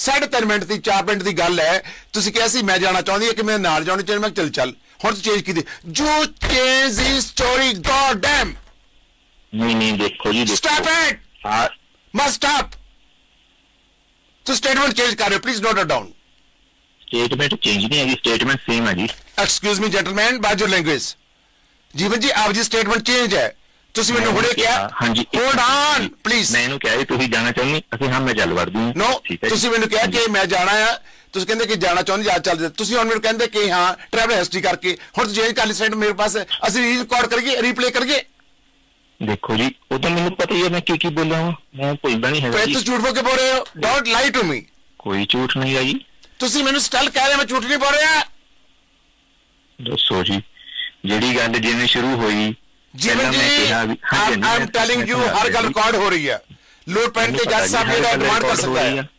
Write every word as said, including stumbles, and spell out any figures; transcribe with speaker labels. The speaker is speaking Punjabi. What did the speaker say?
Speaker 1: साढ़े तीन मिनट की चार मिनट की गल है, तुसीं कहा सी मैं जाना चाहती है कि मैं नाल जाना चाहिए, मैं चल चल हुण चेंज की you change the story god damn.
Speaker 2: नहीं नहीं देखो जी,
Speaker 1: स्टॉप इट, मस्ट स्टॉप। तो स्टेटमेंट चेंज कर रहे हो, please note it down.
Speaker 2: Statement change नहीं है, स्टेटमेंट सेम है जी।
Speaker 1: Excuse me gentleman, by your language. Jeevan ji आप जी स्टेटमेंट चेंज है, ਤੁਸੀਂ ਮੈਨੂੰ ਹੁਣੇ ਕਿਹਾ।
Speaker 2: ਹਾਂਜੀ
Speaker 1: ਹੋਲਡ ਔਨ ਪਲੀਜ਼।
Speaker 2: ਮੈਂ ਇਹਨੂੰ ਕਿਹਾ ਵੀ ਤੁਸੀਂ ਜਾਣਾ ਚਾਹੁੰਦੇ, ਅਸੀਂ ਹਾਂ ਮੈਂ ਚੱਲ ਵੜਦੀ ਹਾਂ।
Speaker 1: ਨੋ, ਤੁਸੀਂ ਮੈਨੂੰ ਕਿਹਾ ਕਿ ਮੈਂ ਜਾਣਾ ਆ, ਤੁਸੀਂ ਕਹਿੰਦੇ ਕਿ ਜਾਣਾ ਚਾਹੁੰਦੇ ਜਾ ਚੱਲਦੇ, ਤੁਸੀਂ ਹੁਣ ਮੈਨੂੰ ਕਹਿੰਦੇ ਕਿ ਹਾਂ ਟਰੈਵਲ ਹਿਸਟਰੀ ਕਰਕੇ ਹੁਣ ਚੇਂਜ ਕਰ ਲਈ ਸਟੇਟਮੈਂਟ ਮੇਰੇ ਪਾਸ, ਅਸੀਂ ਰਿਕਾਰਡ ਕਰੀਏ ਰੀਪਲੇ ਕਰੀਏ।
Speaker 2: ਦੇਖੋ ਜੀ ਉਹ ਤਾਂ ਮੈਨੂੰ ਪਤਾ ਹੀ ਹੈ ਮੈਂ ਕੀ ਕੀ ਬੋਲਿਆ ਹਾਂ, ਮੈਂ ਭੁੱਲਦਾ ਨਹੀਂ ਹੈਗਾ।
Speaker 1: ਤੁਸੀਂ ਝੂਠ ਬੋਲ ਕੇ ਬੋਲ ਰਹੇ ਹੋ, ਡੋਂਟ ਲਾਈ ਟੂ ਮੀ।
Speaker 2: ਕੋਈ ਝੂਠ ਨਹੀਂ ਹੈ ਜੀ।
Speaker 1: ਤੁਸੀਂ ਮੈਨੂੰ ਸਟਲ ਕਹਿ ਰਹੇ ਮੈਂ ਝੂਠ ਨਹੀਂ ਬੋਲ ਰਿਹਾ।
Speaker 2: ਦੱਸੋ ਜੀ ਜਿਹੜੀ ਗੱਲ ਜਿਵੇਂ ਸ਼ੁਰੂ ਹੋਈ
Speaker 1: Jeevan ji, I am telling you हर गल रिकॉर्ड हो रही है, लोड पैन के जज साहब ये डिमांड कर सकता है।